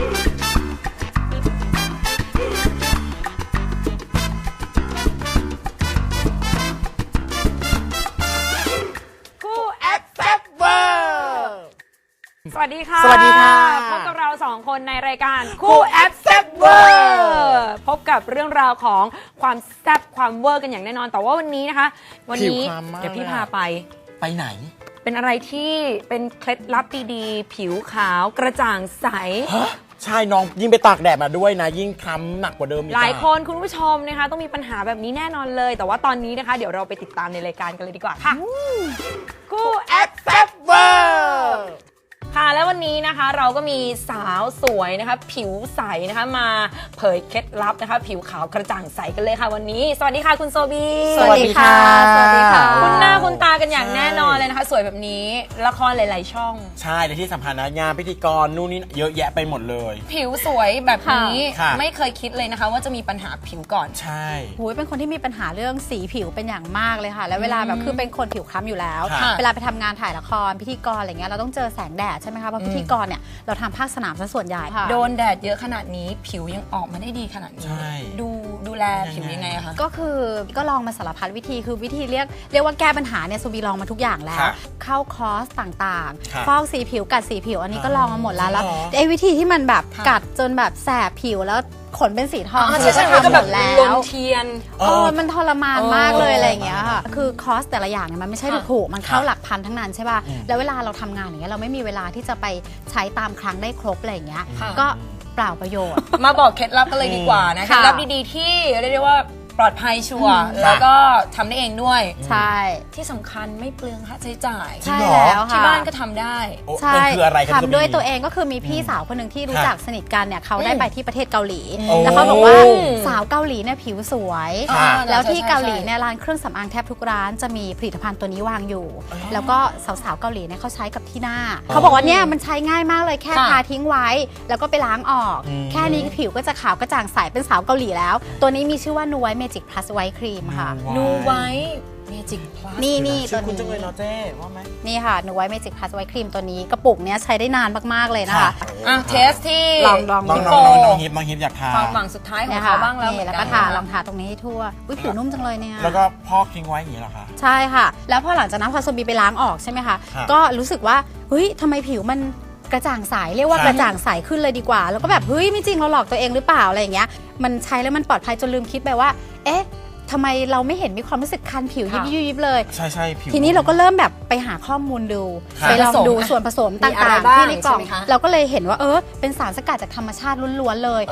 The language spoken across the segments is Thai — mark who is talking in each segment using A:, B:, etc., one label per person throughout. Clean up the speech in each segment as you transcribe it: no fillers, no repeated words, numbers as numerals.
A: สวัสดีค่ะ
B: สวัสดีค่ะ
A: พบกับเราสองคนในรายการคู่แอปแซ่บเวอร์พบกับเรื่องราวของความแซ่บความเวอร์กันอย่างแน่นอนแต่ว่าวันนี้นะคะวันนี้เดี๋ยวพี่พาไป
B: ไหน
A: เป็นอะไรที่เป็นเคล็ดลับดีๆผิวขาวกระจ่างใส
B: ใช่น้องยิ่งไปตากแดดมาด้วยนะยิ่งคล้ำหนักกว่าเดิมอีก
A: หลายคนคุณผู้ชมนะคะต้องมีปัญหาแบบนี้แน่นอนเลยแต่ว่าตอนนี้นะคะเดี๋ยวเราไปติดตามในรายการกันเลยดีกว่าค่ะคู่แอปแซ่บเวอร์ค่ะแล้ววันนี้นะคะเราก็มีสาวสวยนะคะผิวใสนะคะมาเผยเคล็ดลับนะคะผิวขาวกระจ่างใสกันเลยค่ะวันนี้สวัสดีค่ะคุณโซบี
B: สวัสดีค่ะสวัสดีค่ะ
A: คุณหน้าคุณตากันอย่างแน่นอนเลยนะคะสวยแบบนี้ละครหลายๆช่อง
B: ใช่และที่สำคัญนะงานพิธีกรนู่นนี่เยอะแยะไปหมดเลย
A: ผิวสวยแบบนี้
B: ค่ะ
A: ไม่เคยคิดเลยนะคะว่าจะมีปัญหาผิวก่อน
B: ใช่
C: หูยเป็นคนที่มีปัญหาเรื่องสีผิวเป็นอย่างมากเลยค่ะแล้วเวลาแบบคือเป็นคนผิวคล้ำอยู่แล้วเวลาไปทำงานถ่ายละครพิธีกรอะไรเงี้ยเราต้องเจอแสงแดดใช่ไหมคะเพราะพิธีกรเนี่ยเราทำภาคสนามซะส่วนใหญ่
A: โดนแดดเยอะขนาดนี้ผิวยังออกมาได้ดีขนาดนี้ดูแลผิวยังไงอะคะ
C: ก็คือก็ลองมาสารพัดวิธีคือวิธีเรียกว่าแก้ปัญหาเนี่ยซูบีลองมาทุกอย่างแล้วเข้าคอร์สต่างๆฟอกสีผิวกัดสีผิวอันนี้ก็ลองมาหมดแล้วไอ้วิธีที่มันแบบกัดจนแบบแสบผิวแล้วขนเป็นสีทอง
A: ใช่ก็แบบลนเทียน
C: มันทรมานมากเลยอะไรอย่างเงี้ยค่ะคือคอสแต่ละอย่างเนี่ยมันไม่ใช่ถูกมันเข้าหลักพันทั้งนั้นใช่ป่ะแล้วเวลาเราทำงานอย่างเงี้ยเราไม่มีเวลาที่จะไปใช้ตามครั้งได้ครบอะไรอย่างเงี้ยก็เปล่าประโยชน์
A: มาบอกเคล็ดลับกันเลยดีกว่านะเคล็ดลับดีๆที่เรียกได้ว่าปลอดภัยชัวร์แล้วก็ทำได้เองด้วย
C: ใช่
A: ที่สำคัญไม่เปลืองค่าใช้จ่าย
C: ใช่แล้วค่ะ
A: ที่บ้านก็ทำได้
C: ใช่ทำด้วยตัวเองก็คือมีพี่สาวคนหนึ่งที่รู้จักสนิทกันเนี่ยเขาได้ไปที่ประเทศเกาหลีแล้วเขาบอกว่าสาวเกาหลีเนี่ยผิวสวยแล้วที่เกาหลีเนี่ยร้านเครื่องสำอางแทบทุกร้านจะมีผลิตภัณฑ์ตัวนี้วางอยู่แล้วก็สาวๆเกาหลีเนี่ยเขาใช้กับที่หน้าเขาบอกว่าเนี่ยมันใช้ง่ายมากเลยแค่ทาทิ้งไว้แล้วก็ไปล้างออกแค่นี้ผิวก็จะขาวกระจ่างใสเป็นสาวเกาหลีแล้วตัวนี้มีชื่อว่านูไวท์เมจิกพลัสไวท์ครีมค่ะ
A: นูไวท์เมจิกพลัส
C: นี่
B: ตัวนี้คุณจังเลยเนาะเจ๊ว่าไหม
C: นี่ค่ะนูไวท์เมจิกพลัสไวท์ครีมตัวนี้กระปุกเนี้ยใช้ได้นานมากๆเลยนะคะ
A: เทสที่
C: ลอง
B: น้องฮิปอยากทา
A: ความหวังสุดท้ายของเขาบ้าง
C: แล้วก็ทาลองทาตรงนี้ให้ทั่วผิวนุ่มจังเลยเนี่ย
B: แล้วก็พอกทิ้งไว้อย่างนี้เหรอคะ
C: ใช่ค่ะแล้วพอหลังจากนั้นพอโซบีไปล้างออกใช่ไหมคะก็รู้สึกว่าเฮ้ยทำไมผิวมันกระจ่างใสเรียกว่ากระจ่างใสขึ้นเลยดีกว่าแล้วก็แบบเฮ้ยไม่จริงเราหลอกตัวเองหรือเปล่าอะไรอย่างเงี้ยมันใช้แล้วมันปลอดภัยจนลืมคิดไปว่าเอ๊ะทำไมเราไม่เห็นมีความรู้สึกคันผิวยิบเลย
B: ใช่ผิว
C: ทีนี้เราก็เริ่มแบบไปหาข้อมูลดูไปลองดูส่วนผสมต่างๆที่ในกล่องเราก็เลยเห็นว่าเป็นสารสกัดจากธรรมชาติล้วนๆเลย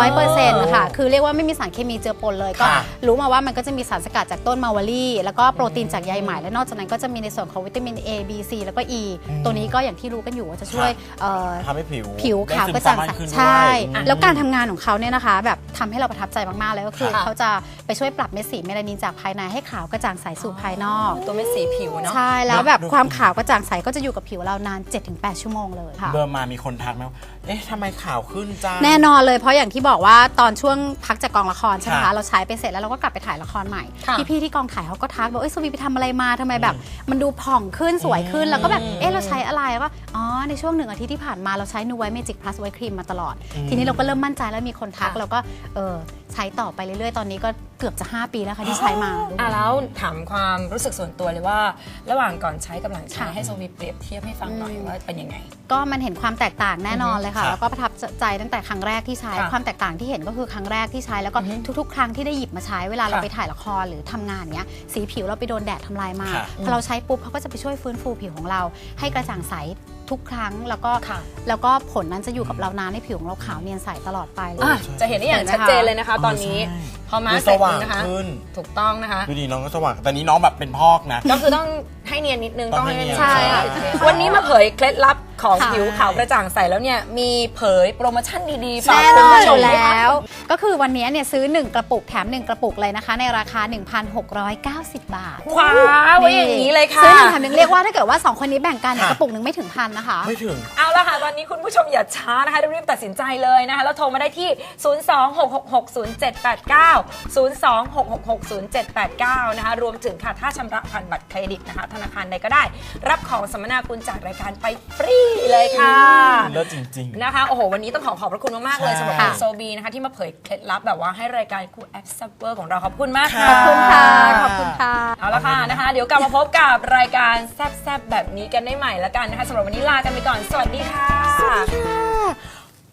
C: 100%ค่ะคือเรียกว่าไม่มีสารเคมีเจือปนเลยก็รู้มาว่ามันก็จะมีสารสกัดจากต้นมาวารีแล้วก็โปรตีนจากใยไหมและนอกจากนั้นก็จะมีในส่วนของวิตามิน A B C แล้วก็ E ตัวนี้ก็อย่างที่รู้กันอยู่ว่าจะช่วย
B: ทำให้
C: ผิวขาวกระจ่างใสใช่แล้วการทำงานของเขาเนี่ยนะคะแบบทำให้เราประทับใจมากๆเลยก็คือเขาจะไปช่วยปรับเม็ดสีเมลานินจากภายในให้ขาวกระจ่างใสสู่ภายนอก
A: ตัวเม็ดสีผิวเนาะ
C: ใช่แล้วแบบความขาวกระจ่างใสก็จะอยู่กับผิวเรานาน 7-8 ชั่วโมงเลยค่ะ
B: เบอร์มามีคนทักไหมเอ๊ะทำไมขาวขึ้นจ้า
C: แน่นอนเลยเพราะอย่างที่บอกว่าตอนช่วงพักจากกองละครใช่ไหมคะเราใช้ไปเสร็จแล้วเราก็กลับไปถ่ายละครใหม่พี่ที่กองถ่ายเขาก็ทักบอกโซบีไปทำอะไรมาทำไมแบบมันดูผ่องขึ้นสวยขึ้นแล้วก็แบบเราใช้อะไรก็ในช่วง1 อาทิตย์ที่ผ่านมาเราใช้นูไวท์เมจิกพลัสไวท์ครีมมาตลอดทีนี้เราก็เริ่มมั่นใจแล้วมีคนทักเราก็ใช้ต่อไปเรื่อยๆตอนนี้ก็เกือบจะ 5 ปีแล้วค่ะที่ใช้มา
A: แล้วถามความรู้สึกส่วนตัวเลยว่าระหว่างก่อนใช้กับหลังใช้ให้โซบีเปรียบเทียบให้ฟังหน่อยว่าเป็นยังไง
C: ก็มันเห็นความแตกต่างแน่นอนเลยค่ะแล้วก็ประทับใจตั้งแต่ครั้งแรกที่ใช้ความแตกต่างที่เห็นก็คือครั้งแรกที่ใช้แล้วก็ทุกๆครั้งที่ได้หยิบมาใช้เวลาเราไปถ่ายละครหรือทำงานเนี้ยสีผิวเราไปโดนแดดทำลายมาพอเราใช้ปุ๊บเขาก็จะไปช่วยฟื้นฟูผิวของเราให้กระจ่างใสทุกครั้งแล้วก็ผลนั้นจะอยู่กับเรานานให้ผิวของเราขาวเนียนใสตลอดไปเลย
A: จะเห็นได้อย่างชัดเจนเลยนะคะตอนนี้พอมาเสร็จนะคะถูกต้องนะคะ
B: ดูดีน้องก็สว่างแต่นี้น้องแบบเป็นพอกนะ
A: ก็คือต้องให้เนียนนิดนึงต้องให้เนียน
C: ใช่
A: วันนี้มาเผยเคล็ดลับของผิวขาวกระจ่างใสแล้วเนี่ยมีเผยโปรโมชั่นดีๆฝากคุณผู้ชม
C: แล้วก็คือวันนี้เนี่ยซื้อ1 กระปุกแถม1 กระปุกเลยนะคะในราคา 1,690 บาท
A: คว้าไว้อย่างนี้เลยค่ะ
C: ซื้อ1 แถม 1เรียกว่าถ้าเกิดว่า2คนนี้แบ่งกันกระปุกนึงไม่ถึง1,000นะคะ
B: ไม่ถึง
A: เอาละค่ะตอนนี้คุณผู้ชมอย่าช้านะคะรีบตัดสินใจเลยนะคะแล้วโทรมาได้ที่026660789 026660789นะคะรวมถึงค่ะถ้าชำระผ่านบัตรเครดิตนะคะธนานาคารใดก็ได้ รับของสัมมนาคุณจากรายการไปฟรีเลยค่ะ
B: เลิศจริงๆ
A: นะคะโอ้โหวันนี้ต้องขอบพระคุณมากๆเลย
B: ใช่
A: สำหรับคุณโซบีนะคะที่มาเผยเคล็ดลับแบบว่าให้รายการคูแอปซับเวอร์ของเราขอบคุณมากค่ะ
C: ขอบคุณค่ะ ขอบคุณค่ะ
A: เอาละค่ะนะคะ เดี๋ยวกลับมาพบกับรายการแซบๆแบบนี้กันได้ใหม่ละกันนะคะสำหรับวันนี้ลากันไปก่อนสวัสดีค่ะ